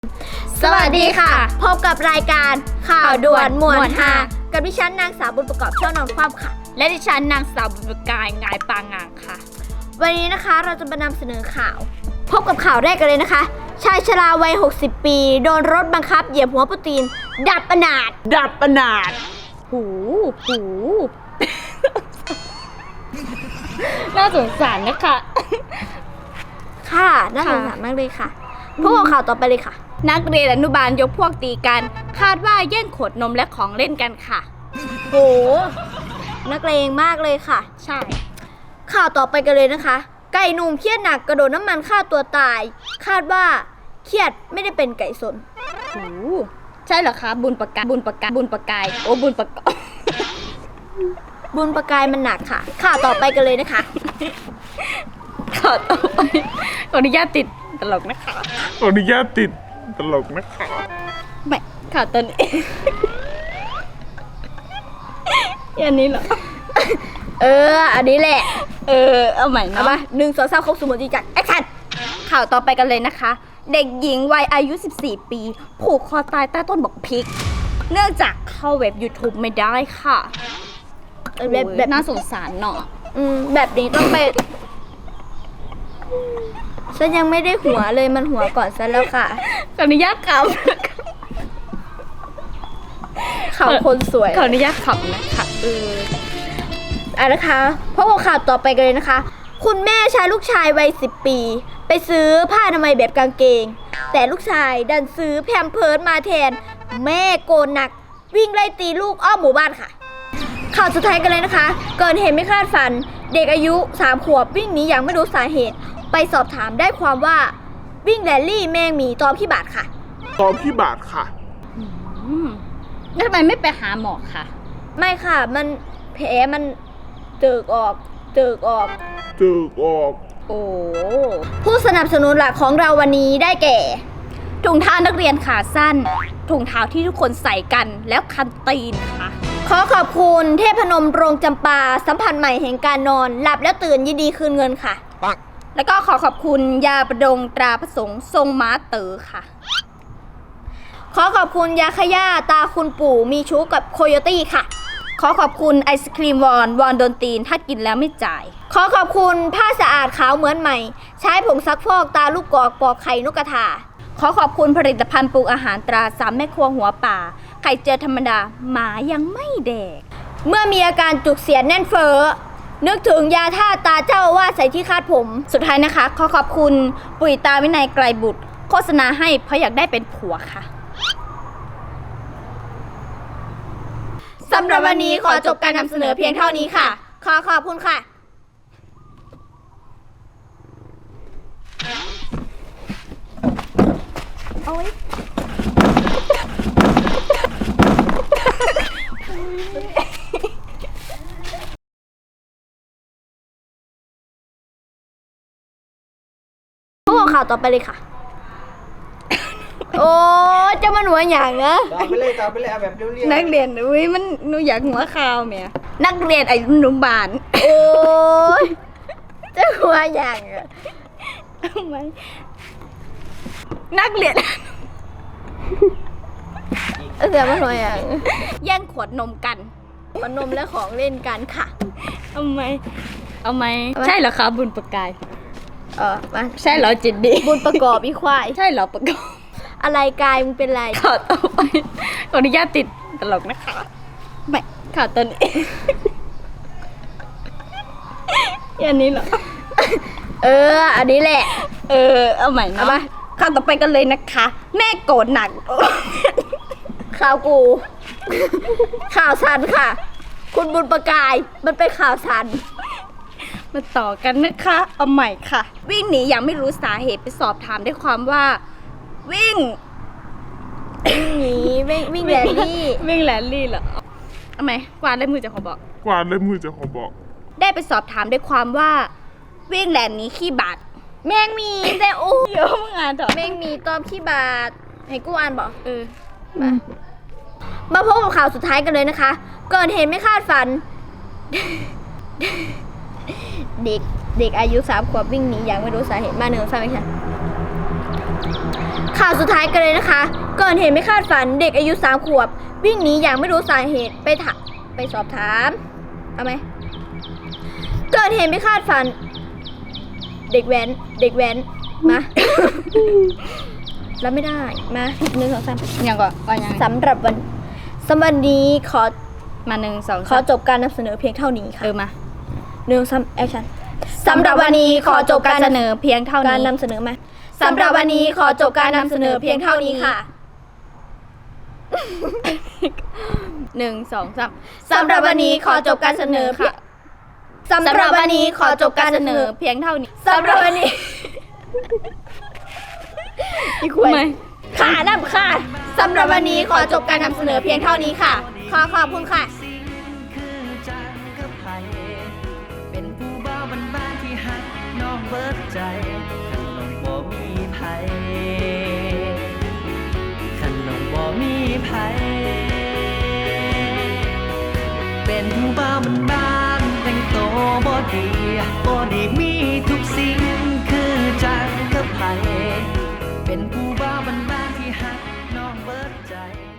สวัสดีค่ะพบกับรายการข่าวด่วนหมวดฮากับดิฉันนางสาวบุญประกอบช่อนอนความค่ะและดิฉันนางสาวบุญประกายงายปางงางค่ะวันนี้นะคะเราจะมานำเสนอข่าวพบกับข่าวแรกกันเลยนะคะชายชราวัย60 ปีโดนรถบังคับเหยียบหัวปูตีนดับอนาถหูน่าสงสารนะคะค่ะน่าสงสารมากเลยค่ะพบกับข่าวต่อไปเลยค่ะนักเรียนอนุบาลยกพวกตีกันคาดว่าแย่งขวดนมและของเล่นกันค่ะโหนักเลงมากเลยค่ะใช่ข่าวต่อไปกันเลยนะคะไก่หนุ่มเครียดหนักกระโดดน้ำมันฆ่าตัวตายคาดว่าเครียดไม่ได้เป็นไก่สนโหใช่เหรอคะบุญประกายโอ้บุญประกอบบุญประกายมันหนักค่ะข่าวต่อไปกันเลยนะคะข่าวต่อไปขออนุญาตติดตลกนะคะไม่ข่าวตอนนี้อันนี้เหรออันนี้แหละเอาใหม่เนาะมา1 2 3ครบสมบูรณ์จริงจังแอคชั่นข่าวต่อไปกันเลยนะคะเด็กหญิงวัยอายุ14 ปีผูกคอตายใต้ต้นบอกพริกเนื่องจากเข้าเว็บ YouTube ไม่ได้ค่ะแบบน่าสงสารเนาะแบบนี้ต้องไปฉันยังไม่ได้หัวเลยมันหัวก่อนซะแล้วค่ะขออนุญาตขำคนสวยขออนุญาตขำนะคะนะคะพบกับข่าวต่อไปกันเลยนะคะคุณแม่ใช้ลูกชายวัย10 ปีไปซื้อผ้าอนามัยแบบกางเกงแต่ลูกชายดันซื้อแพมเพิร์สมาแทนแม่โกนหนักวิ่งไล่ตีลูกอ้อมหมู่บ้านค่ะข่าวสุดท้ายกันเลยนะคะเกิดเหตุไม่คาดฝันเด็กอายุ3 ขวบวิ่งหนีอย่างไม่รู้สาเหตุไปสอบถามได้ความว่าวิ่งแรลลี่แมงหมีตอมขี้บาดค่ะแล้วทำไมไม่ไปหาหมอค่ะไม่ค่ะมันแผลมันเจิกออกโอ้ผู้สนับสนุนหลักของเราวันนี้ได้แก่ถุงเท้านักเรียนขาสั้นถุงเท้าที่ทุกคนใส่กันแล้วคันตีนค่ะขอขอบคุณเทพนมโรงจำปาสัมผัสใหม่แห่งการนอนหลับแล้วตื่นยินดีคืนเงินค่ะแล้วก็ขอขอบคุณยาประดงตราพระสงฆ์ทรงม้าเต๋อค่ะขอขอบคุณยาขย่าตาคุณปู่มีชู้กับโคโยตี้ค่ะขอขอบคุณไอศครีมวอนโดนตีนถ้ากินแล้วไม่จ่ายขอขอบคุณผ้าสะอาดขาวเหมือนใหม่ใช้ผงซักฟอกตาลูกกอกปอกไข่นกกระทาขอขอบคุณผลิตภัณฑ์ปรุงอาหารตรา3 แม่ครัวหัวป่าไข่เจียวธรรมดาหมายังไม่แดกเมื่อมีอาการจุกเสียดแน่นเฟ้อนึกถึงยาท่าตาเจ้าอาวาสใส่ที่คาดผมสุดท้ายนะคะขอขอบคุณปุ๋ยตาวินัยไกลบุตรโฆษณาให้เพราะอยากได้เป็นผัวค่ะสำหรับวันนี้ขอจบการนำเสนอเพียงเท่านี้ค่ะขอบคุณค่ะพวกข่าวต่อไปเลยค่ะโอ้จะมันหัวอย่างนะต่อไปเลยเอาแบบเรียวๆนักเรียนมันหนูอยากหัวข่าวเมียนักเรียนอนุบาลโอ้ยจะหัวอย่างอะทำไมนักเรียนมันหัวอย่างแย่งขวดนมกันขวดนมและของเล่นกันค่ะเอาไหมใช่เหรอคะบุญประกายมาใช่เหรอจิตดีบุญประกอบอีควายใช่เหรอประกอบอะไรกายมึงเป็นไรข่าวต่อไปขออนุญาตติดตลกนะคะไม่ข่าวตอนนี้อันนี้เหรออันนี้แหละเอาใหม่เนาะข่าวต่อไปกันเลยนะคะแม่โกรธหนักข่าวกูข่าวสันค่ะคุณบุญประกายมันเป็นข่าวสันมาต่อกันนะคะเอาใหม่ค่ะวิ่งหนีอย่างไม่รู้สาเหตุไปสอบถามได้ความว่าวิ่งหนีวิ่งแรลลี่เหรอทำไมกวาดเล่มมือจะขอบอกได้ไปสอบถามได้ความว่าวิ่งแรลนี้ขี้บาดแมงมีแต่เดี๋ยวมึงอ่านเถอะแมงมีตอมขี้บาดให้กูอ่านบอกมาพบกับข่าวสุดท้ายกันเลยนะคะเกิดเหตุไม่คาดฝันเด็กอายุ3 ขวบวิ่งหนีอย่างไม่รู้สาเหตุมา1 3 ไม่ใช่ข่าวสุดท้ายกันเลยนะคะเกิดเหตุไม่คาดฝันเด็กอายุ3 ขวบ วิ่งหนีอย่างไม่รู้สาเหตุไปสอบถามเอาไหมเกิดเหตุไม่คาดฝัน เด็กแว้นมา แล้วไม่ได้มา1 2 3 ยังก่อนว่ายังสำหรับวันนี้ขอมา1 2 ขอจบการนำเสนอเพียงเท่านี้ค่ะมา 1 3 แอคชั่นสำหรับวันนี้ขอจบการเสนอเพียงเท่าการนี้นำเสนอมาสำหรับวันนี้ขอจบการนำเสนอเพียงเท่านี้ค่ะ 1 2 3 สำหรับวันนี้ขอจบการเสนอค่ะสำหรับวันนี้ขอจบการเสนอเพียงเท่านี้สำหรับวันนี้อีกคนค่ะน้ำค่ะสำหรับวันนี้ขอจบการนำเสนอเพียงเท่านี้ค่ะขอบคุณค่ะคือจังกับไผเป็นผู้บ่าวบ้านๆที่หักน้องเบิดใจคันน้องบ่มีไผคันน้องบ่มีไผเป็นผู้บ่าวบ้านๆแต่งโตวบ่ดีมีทุกสิ่งคือจังกับไผเป็นผู้บ่าวบ้านๆที่หักน้องเบิดใจ